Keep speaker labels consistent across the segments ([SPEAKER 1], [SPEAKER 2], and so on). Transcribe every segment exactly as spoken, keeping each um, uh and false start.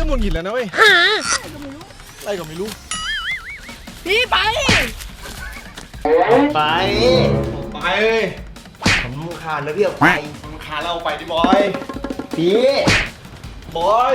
[SPEAKER 1] มหงุดหงิดแล้วนะเว้ยอะไรก็ไม่รู้
[SPEAKER 2] พี่ไป
[SPEAKER 3] ไป
[SPEAKER 1] ไป
[SPEAKER 3] ผมขาดแล้วพี่ไป
[SPEAKER 1] มึงขาเราไปดิบอย
[SPEAKER 3] พี่
[SPEAKER 1] บอย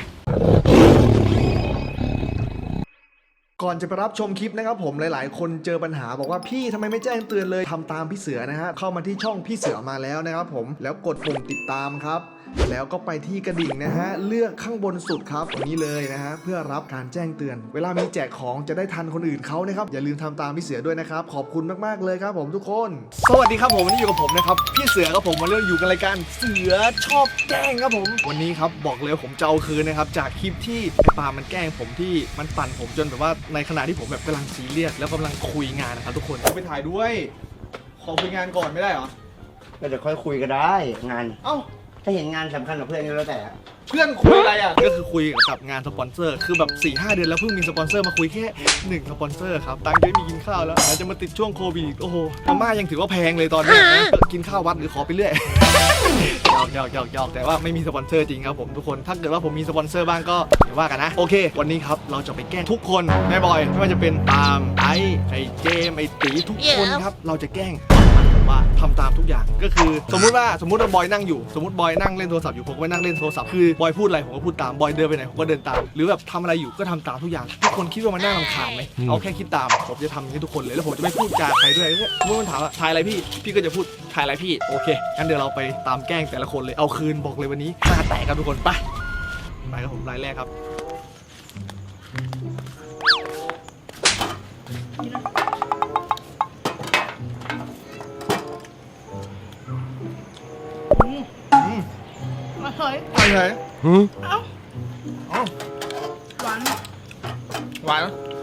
[SPEAKER 4] ก่อนจะไปรับชมคลิปนะครับผมหลายๆคนเจอปัญหาบอกว่าพี่ทำไมไม่แจ้งเตือนเลยทำตามพี่เสือนะฮะเข้ามาที่ช่องพี่เสือมาแล้วนะครับผมแล้วกดปุ่มติดตามครับแล้วก็ไปที่กระดิ่งนะฮะเลือกข้างบนสุดครับตรงนี้เลยนะฮะเพื่อรับการแจ้งเตือนเวลามีแจกของจะได้ทันคนอื่นเขานะครับอย่าลืมทำตามพี่เสือด้วยนะครับขอบคุณมากๆเลยครับผมทุกคนสวัสดีครับผมวันนี้อยู่กับผมนะครับพี่เสือครับผมมาเรื่องอยู่กันรายการเสือชอบแกล้งครับผมวันนี้ครับบอกเลยผมจะเอาคืนนะครับจากคลิปที่ไอ้ปามันแกล้งผมที่มันปั่นผมจนแบบว่าในขณะที่ผมแบบกำลังซีเรียสแล้วกำลังคุยงานนะครับทุกคนไปถ่ายด้วยขอคุยงานก่อนไม่ได้เหรอ
[SPEAKER 3] ก็จะค่อยคุยก็ได้งาน
[SPEAKER 1] เอ้า
[SPEAKER 3] ถ้าเห็นงานสำคัญกับเพื่อนนี่แล้วแต่
[SPEAKER 1] เพื่อนคุยอะไรอ่ะก็คือคุยกับงานสปอนเซอร์คือแบบ สี่ห้า เดือนแล้วเพิ่งมีสปอนเซอร์มาคุยแค่หนึ่งสปอนเซอร์ครับตังค์จะมีกินข้าวแล้วแล้วจะมาติดช่วงโควิดโอ้โหมาม่ายังถือว่าแพงเลยตอนนี้นะกินข้าววัดหรือขอไปเรื่อยหยอกหยอกหยอกหยอกแต่ว่าไม่มีสปอนเซอร์จริงครับผมทุกคนถ้าเกิดว่าผมมีสปอนเซอร์บ้างก็อย่าว่ากันนะโอเควันนี้ครับเราจะไปแกล้งทุกคนแม่บอยไม่ว่าจะเป็นปาล์มไอ้ไอ้เจมไอ้ตีทุกคนครับเราจะแกล้งว่าทำตามทุกอย่างก็คือสมมุติว่าสมมุติว่าบอยนั่งอยู่สมมติบอยนั่งเล่นโทรศัพท์อยู่ผมก็ไปนั่งเล่นโทรศัพท์คือบอยพูดอะไรผมก็พูดตามบอยเดินไปไหนผมก็เดินตามหรือแบบทำอะไรอยู่ก็ทำตามทุกอย่างทุกคนคิดว่ามันน่ารำคาญไหมเอาแค่คิดตามผมจะทำให้ทุกคนเลยแล้วผมจะไม่พูดจาใครด้วยเมื่อมันถามว่าถ่ายอะไรพี่พี่ก็จะพูดถ่ายอะไรพี่โอเคงั้นเดี๋ยวเราไปตามแกล้งแต่ละคนเลยเอาคืนบอกเลยวันนี้หน้าแตกกันทุกคนไปไปครับผมรายแรกครับ
[SPEAKER 2] มาเฮ้ย
[SPEAKER 1] ไปไหน
[SPEAKER 2] เอ้า
[SPEAKER 1] เอ้า
[SPEAKER 2] หวาน
[SPEAKER 1] หวาน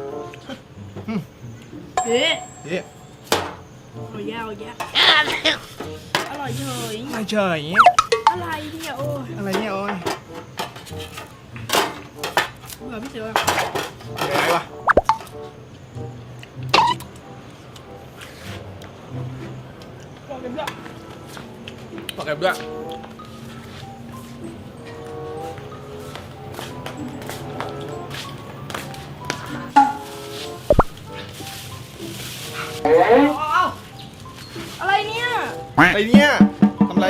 [SPEAKER 2] เฮ้ย
[SPEAKER 1] เฮ้ย
[SPEAKER 2] โอ้ยแย่โอ้ยแย่อร่อยเฉย
[SPEAKER 1] ไม่เฉย
[SPEAKER 2] อะไรเนี่ยโอ้ย
[SPEAKER 1] อะไรเนี่ยโอ้ย
[SPEAKER 2] เบื่อพี่เสือ
[SPEAKER 1] อะไรวะ
[SPEAKER 2] บอกกันด้วย
[SPEAKER 1] บอกกันด้วย
[SPEAKER 2] อะไรเนี่ย
[SPEAKER 1] อะไรเนี่ยทำไร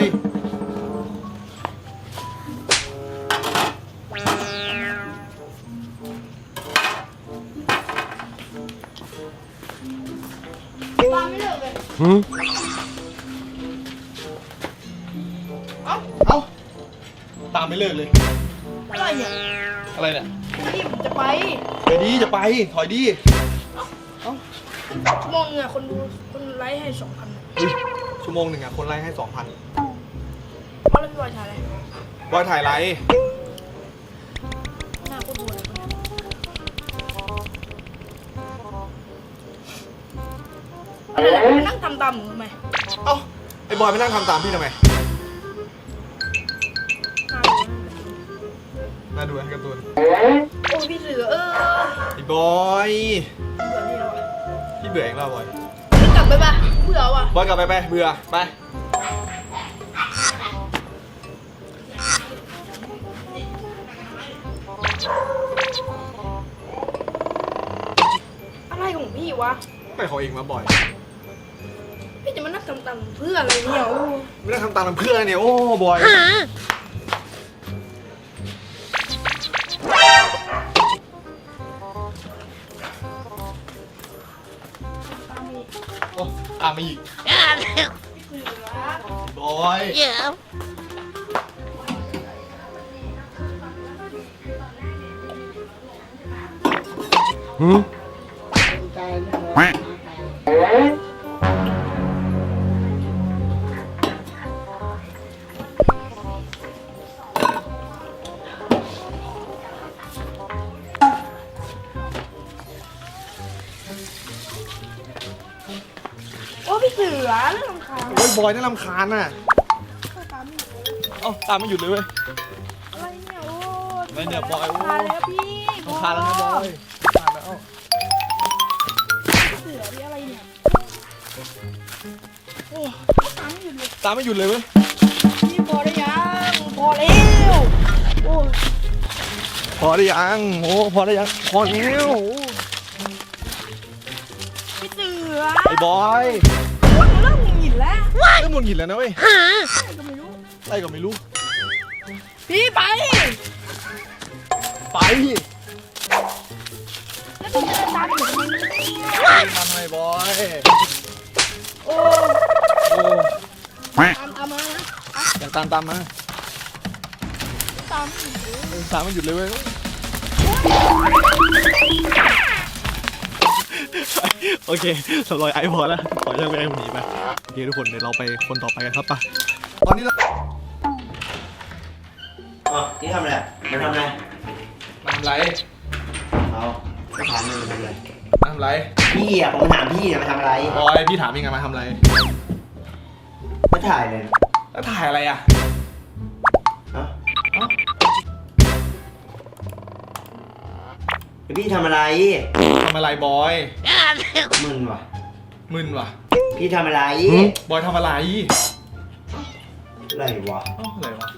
[SPEAKER 2] ตามไม่เลิกเลย
[SPEAKER 1] เอ้าเอ้าตามไม่เลิกเลย
[SPEAKER 2] อะไรเนี่ย
[SPEAKER 1] อะไรเนี่ย
[SPEAKER 2] พี่จะไป
[SPEAKER 1] ไปดีจะไปถอยดี
[SPEAKER 2] ชั่วโมงเนี่ยคนดูคนไลค์ให้สองพัน
[SPEAKER 1] ชั่วโมงหนึ่งอ่ะคนไลค์ให้สองพัน
[SPEAKER 2] เขาเล่นบอยถ่ายอะไร
[SPEAKER 1] บอยถ่ายไลค์
[SPEAKER 2] หน้าโคตรบวยอะไรไปนั่งทำตามหนูทำไม
[SPEAKER 1] เอ้าไอ้บอยไปนั่งทำตามพี่ทำไมน่าดูนะการ์ตูน
[SPEAKER 2] โอ้พี่เสือเออ
[SPEAKER 1] ไอ้บอย
[SPEAKER 2] เบื่อนี่แล้ว
[SPEAKER 1] พี่เบื่อเองแล้วบอย
[SPEAKER 2] กลับไปปะเบื่อว่ะ
[SPEAKER 1] บอยกลับไปไปเบื่อไป
[SPEAKER 2] อะไรของพี่วะ
[SPEAKER 1] ไปเขาเองมาบ่อย
[SPEAKER 2] พี่จะมานั่งทำตามเพื่ออะไรเนี่ยโอ้
[SPEAKER 1] ไม่ได้ทำตามเพื่อนเนี่ยโอ้บอยโอ้ตามมาอีกบอยหืม
[SPEAKER 2] โอ้พี่เสือเรื่องรำคาญ
[SPEAKER 1] โอ้ยบอยน่ารำคาญน่ะเอ้าตามไม่หยุดเลยเว้ย
[SPEAKER 2] อะไรเนี่ยโอ้
[SPEAKER 1] ไม่เนี่ยบอยโอ้
[SPEAKER 2] รำคาญแล้วพี่
[SPEAKER 1] รำคาญแล้วนะบอยตามแล้ว
[SPEAKER 2] เสือพี่อะไรเนี่ยโอ้ตามไม่หยุดเลย
[SPEAKER 1] ตามไม่หยุดเลยเว้ย
[SPEAKER 2] พี่พอได้ยังพอแล้วโอ้
[SPEAKER 1] พอได้ยังโอ้พอได้ยังพอแล้ว
[SPEAKER 2] พี่เสือ
[SPEAKER 1] ไอ้บอย
[SPEAKER 2] โอ้ยเริ่มหงุดหงิดแล้ว
[SPEAKER 1] เริ่มหงุดหงิดแล้วนะเว้ย
[SPEAKER 2] อะไรก็ไม่รู้
[SPEAKER 1] อะไรก็ไม่รู้
[SPEAKER 2] พี่ไป
[SPEAKER 1] ไป
[SPEAKER 2] แล้วพี่เดินตามอยู่ทำไมเนี่ย
[SPEAKER 1] ทำไมบอย
[SPEAKER 2] โอ้
[SPEAKER 1] โอ้
[SPEAKER 2] ตามตามมานะ
[SPEAKER 1] อยากตามตามมา
[SPEAKER 2] ตามอยู่
[SPEAKER 1] เออตามมันหยุดเลยเว้ยโอเคสำรอยไอพอแล้วขอแยกไปไอ้คนนี้ไปโอเคทุกคนเดี๋ยวเราไปคนต่อไปกันครับป่ะตอนนี้เรา
[SPEAKER 3] อ๋อนี่ทำอะไรมันทำอะไร
[SPEAKER 1] ทำไร
[SPEAKER 3] เอาไม่ถามเลยมันทำอะไร
[SPEAKER 1] ทำไร
[SPEAKER 3] พี่อ่ะผมถามพี่เนี่ยมันทำอะไร
[SPEAKER 1] บอยพี่ถามยังไงมาทำไร
[SPEAKER 3] ไม่ถ่ายเลยนะ
[SPEAKER 1] แล้วถ่ายอะไรอ่ะ
[SPEAKER 3] เอ้าเอ้าแล้วพี่ทำอะไร
[SPEAKER 1] ทำอะไรบอย
[SPEAKER 3] มึนว่ะ
[SPEAKER 1] มึนว่ะ
[SPEAKER 3] พี่ทำอะไร
[SPEAKER 1] บอยทำอะไร
[SPEAKER 3] อะไรวะ
[SPEAKER 1] เอ้าอะไรวะ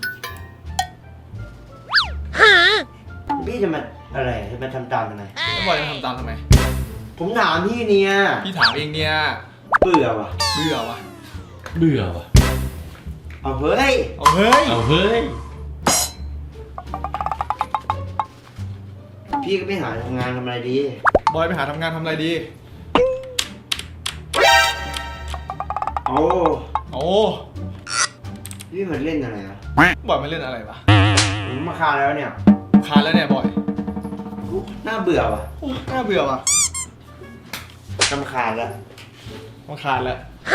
[SPEAKER 3] พี่จะมาอะไรจะมาทำตามทำไม
[SPEAKER 1] แล้วบอยจะทำตามทำไม
[SPEAKER 3] ผมถามพี่เนี่ย
[SPEAKER 1] พี่ถามเองเนี่ย
[SPEAKER 3] เบื่อว่ะ
[SPEAKER 1] เบื่อว่ะ
[SPEAKER 5] เบื่อว่ะ
[SPEAKER 3] เอาเฮ้ย
[SPEAKER 1] เอาเฮ้ย
[SPEAKER 5] เอาเฮ้ย
[SPEAKER 3] พี่ก็ไปหาทำงานทำอะไรดี
[SPEAKER 1] บอยไปหาทำงานทำอะไรดี
[SPEAKER 3] โอ้
[SPEAKER 1] โอ้
[SPEAKER 3] พี่มันเล่นอะไรอ่ะ
[SPEAKER 1] บอยมาเล่นอะไรวะ
[SPEAKER 3] ผมมาคาแล้วเนี่ย
[SPEAKER 1] คานแล้วเนี่ยบอย
[SPEAKER 3] อุ๊ยน่าเบื่อว่ะ
[SPEAKER 1] โอ้น่าเบื่อว่ะ
[SPEAKER 3] รำคาญแล้ว
[SPEAKER 1] มาคานแล้ว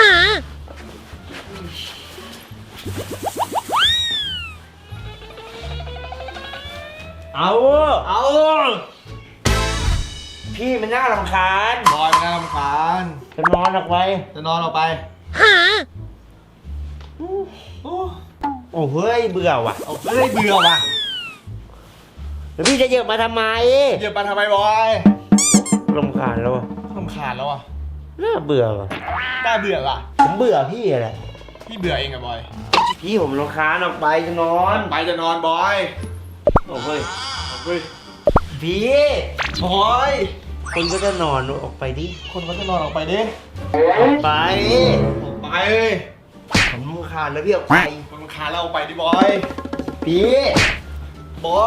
[SPEAKER 3] เอา
[SPEAKER 1] เอา
[SPEAKER 3] พี่มันน่ารำคาญ
[SPEAKER 1] บอยมันน่ารำคาญ
[SPEAKER 3] จะนอนออกไป
[SPEAKER 1] จะนอนออกไปโอ้
[SPEAKER 3] โอ้เฮ้ยเบื่อว่ะ
[SPEAKER 1] เอาเฮ้ยเบื่อว่ะ
[SPEAKER 3] แล้วพี่จะเหยียบมาทำไม
[SPEAKER 1] เหยียบไปทำไมบอย
[SPEAKER 3] รำคาญแล้วอะ
[SPEAKER 1] รำคาญแล้วอ่ะ
[SPEAKER 3] น่าเบื่อว่ะ
[SPEAKER 1] น่าเบื่อว่ะ
[SPEAKER 3] ผมเบื่อพี่อะไร
[SPEAKER 1] พี่เบื่อเองอะบอย
[SPEAKER 3] พี่ผมรำคาญออกไปจะนอน
[SPEAKER 1] ไปจะนอนบอย
[SPEAKER 3] โอ้เฮ้ย
[SPEAKER 1] เอาเฮ้ย
[SPEAKER 3] พี่
[SPEAKER 1] บอย
[SPEAKER 3] คนก็จะนอนออกไปดิ
[SPEAKER 1] คนเขาจะนอนออกไปดิ
[SPEAKER 3] ออกไป
[SPEAKER 1] ออกไปเลย
[SPEAKER 3] ผมรำคาญแล้วพี่ออกไป
[SPEAKER 1] คนรำคาญแล้วออกไปดิบอย
[SPEAKER 3] พี่
[SPEAKER 1] บอย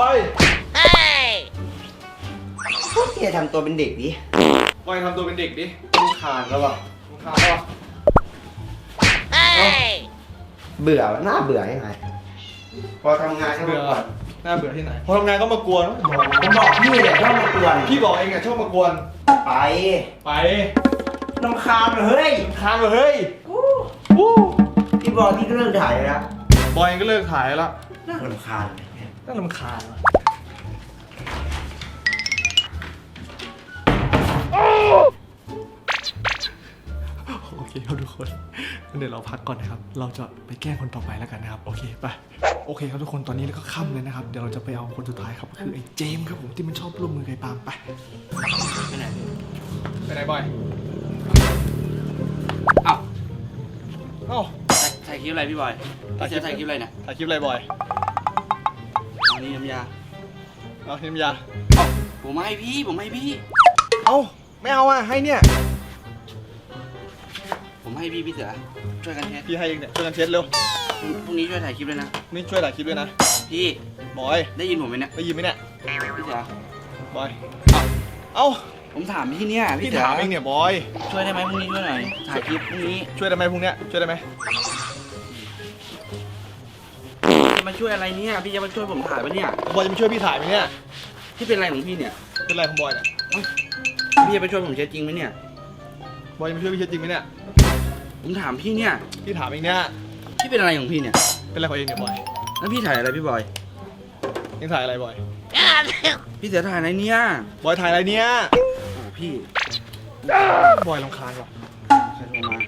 [SPEAKER 3] พวกพี่จะทำตัวเป็นเด็กดิ
[SPEAKER 1] บอยทำตัวเป็นเด็กดิ
[SPEAKER 3] รำคาญแล้วว่ะ
[SPEAKER 1] รำคาญแล้วอะ
[SPEAKER 3] เบื่อน่าเบื่อยังไงพอทำงานก็มา
[SPEAKER 1] เบื่อ
[SPEAKER 3] ก่อน
[SPEAKER 1] น่าเบื่อที่ไหนพอทำงานก็มากวน
[SPEAKER 3] ผมบอกพี่เลยชอบมากวน
[SPEAKER 1] พี่บอกเองอะชอบมากวน
[SPEAKER 3] ไป
[SPEAKER 1] ไป
[SPEAKER 3] รำคาญเลยเฮ้ย
[SPEAKER 1] ค้างเลยเฮ้ย
[SPEAKER 3] วู้พี่บอกพี่ก็เลิกถ่ายแล้ว
[SPEAKER 1] บอยเองก็เลิกถ่ายแล้ว
[SPEAKER 3] น่ารำคาญ
[SPEAKER 1] น่ารำคาญว่ะโอเคครับทุกคนเดี๋ยวเราพักก่อนนะครับ เราจะไปแกล้งคนต่อไปแล้วกันนะครับ โอเคไป โอเคครับทุกคนตอนนี้ก็ค่ำเลยนะครับ เดี๋ยวเราจะไปเอาคนสุดท้ายครับคือไอ้เจมส์ครับผมที่มันชอบร่วมมือกับไอ้ปาล์มไปไปไหนไปไหนบอย
[SPEAKER 6] อ้าว
[SPEAKER 1] เอ้า
[SPEAKER 6] ถ่ายคลิปอะไรพี่บอยพี่เสือถ่ายคลิปอะไรเนี่ย
[SPEAKER 1] ถ่ายคลิปอะไรบอย
[SPEAKER 6] อันนี้น้ำยา
[SPEAKER 1] เอาทีมยา
[SPEAKER 6] เอ้าผมให้พี่ ผมให้พี่
[SPEAKER 1] เอ้าไม่เอาอ่ะให้เนี่ย
[SPEAKER 6] ผมให้พี่พี่เสือ ช่วยกันเทส
[SPEAKER 1] พี่ให้เองเนี่ยช่วยกันเช็ดเร็ว
[SPEAKER 6] พรุ่งนี้ช่วยถ่ายคลิปเลยนะ
[SPEAKER 1] นี่ช่วยถ่ายคลิปด้วยนะ
[SPEAKER 6] พี่
[SPEAKER 1] บอย
[SPEAKER 6] ได้ยินผมไหมเนี่ย
[SPEAKER 1] ได้ยินไหมเนี่ย
[SPEAKER 6] พี่เสือบ
[SPEAKER 1] อยเอ้า
[SPEAKER 6] ผมถามพี่เนี่ย
[SPEAKER 1] พี่
[SPEAKER 6] พี่เสือ
[SPEAKER 1] ถามเองเนี่ยบอย
[SPEAKER 6] ช่วยได้ไหมพรุ่งนี้ช่วยหน่อย ถ่ายคลิปพรุ่งนี้
[SPEAKER 1] ช่วยได้ไหมพรุ่งเนี้ยช่วยได้ไหม
[SPEAKER 6] จะมาช่วยอะไรเนี่ย พี่จะมาช่วยผมถ่ายปะเนี่ย
[SPEAKER 1] บอยจะมาช่วยพี่ถ่ายไหมเนี่ย
[SPEAKER 6] พี่เป็นอะไรของพี่เนี่ย
[SPEAKER 1] เป็นไรของบอยเนี่ย
[SPEAKER 6] พี่จะไปช่วยผมเช็ดจริงไหมเนี่ย
[SPEAKER 1] บอยจะมาช่วยพี่เช็ดจริงไหมเนี่ย
[SPEAKER 6] ผมถามพี่เนี่ย
[SPEAKER 1] พี่ถามเองเนี่ย
[SPEAKER 6] พี่เป็นอะไรของพี่เนี่ย
[SPEAKER 1] เป็นไรของเองเนี่ยบอย
[SPEAKER 6] แล้วพี่ถ่ายอะไรพี่บอย
[SPEAKER 1] เองถ่ายอะไรบอย
[SPEAKER 6] พี่เสือถ่ายอะไรเนี่ย
[SPEAKER 1] บอยถ่ายอะไรเนี่ย
[SPEAKER 6] โอ้พี่
[SPEAKER 1] บอยรำคาญว่ะ
[SPEAKER 6] ใครโทรมา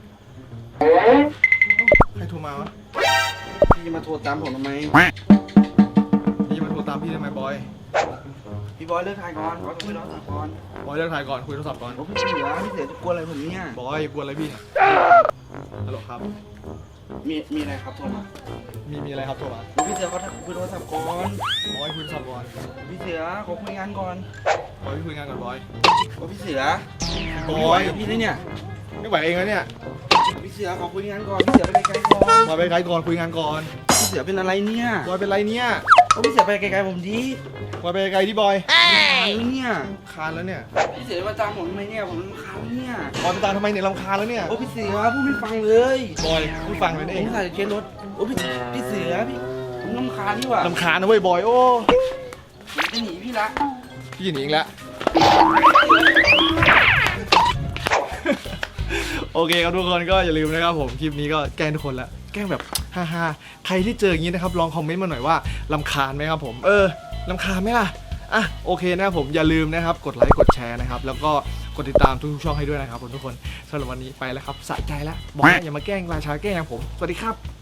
[SPEAKER 1] ใครโทรมาวะ
[SPEAKER 6] พี่จะมาโทรตามผมทำไม
[SPEAKER 1] พี่จะมาโทรตามพี่ทำไมบอย
[SPEAKER 6] พี่บอยเลิกถ่ายก่อนบอยคุยโทรศัพท์ก่อน
[SPEAKER 1] บอยเลิกถ่ายก่อนคุยโทรศัพท์ก่อน
[SPEAKER 6] โอ้พี่เสือพี่เสือจะกลัวอะไรผมเนี่ย
[SPEAKER 1] บอยกลัวอะไรพี่ฮัลโหลครับ
[SPEAKER 6] มีมีอะไรครับโทรมา
[SPEAKER 1] มีมีอะไรครับโทรมา
[SPEAKER 6] พี่เสือเขาคุยโทรศัพท์ก่อน
[SPEAKER 1] บอยคุยสับบอล
[SPEAKER 6] พี่เสือขอคุยงานก่อน
[SPEAKER 1] บอยคุยงานก่อนบอย
[SPEAKER 6] โอ้พี่เสือบ
[SPEAKER 1] อ
[SPEAKER 6] ไม่ไหวย กับพี่เลยเนี่ย
[SPEAKER 1] ไม่ไหวเองแล้วเนี่ย
[SPEAKER 6] พี่เสือขอคุยงานก่อนพี่เสือไปไกลๆก่อน
[SPEAKER 1] บอยไปไกลก่อนคุยงานก่อน
[SPEAKER 6] พี่เสือเป็นอะไรเนี่ย
[SPEAKER 1] บอยเป็นไรเนี่ย
[SPEAKER 6] โอ้พี่เสือไปไกลๆผมดี
[SPEAKER 1] บอยไปไกลที่บอย
[SPEAKER 6] แล้วเนี่ย
[SPEAKER 1] คานแล้วเนี่ย
[SPEAKER 6] พี่เสือมาตามผมทำไมเนี่ยผมรำคาญแล้วเนี่ย
[SPEAKER 1] บอยไปตามทำไมเนี่ยรำคาญแล้วเนี่ย
[SPEAKER 6] โอ้พี่เสือพูดไม่ฟังเลย
[SPEAKER 1] บอยพูดฟังเลย
[SPEAKER 6] ผ
[SPEAKER 1] เอง
[SPEAKER 6] มใส่เช็ดรถโอ้พี่พี่เสือพี่ผมรำคาญที่ว่ะ
[SPEAKER 1] รำคาญนะเว้ยบอยโอ้
[SPEAKER 6] ผมจะหนีพี่ละ
[SPEAKER 1] พี่หนีอีกแล้ว โอเคครับทุกคนก็อย่าลืมนะครับผมคลิปนี้ก็แกล้งทุกคนละแกล้งแบบฮ่าๆใครที่เจออย่างนี้นะครับลองคอมเมนต์มาหน่อยว่ารำคาญไหมครับผมเออรำคาญไหมล่ะอ่ะโอเคนะครับผมอย่าลืมนะครับกดไลค์กดแชร์นะครับแล้วก็กดติดตามทุกๆช่องให้ด้วยนะครับผมทุกคนสำหรับวันนี้ไปแล้วครับสะใจแล้วบอกแล้วอย่ามาแกล้งราชาแกล้งผมสวัสดีครับ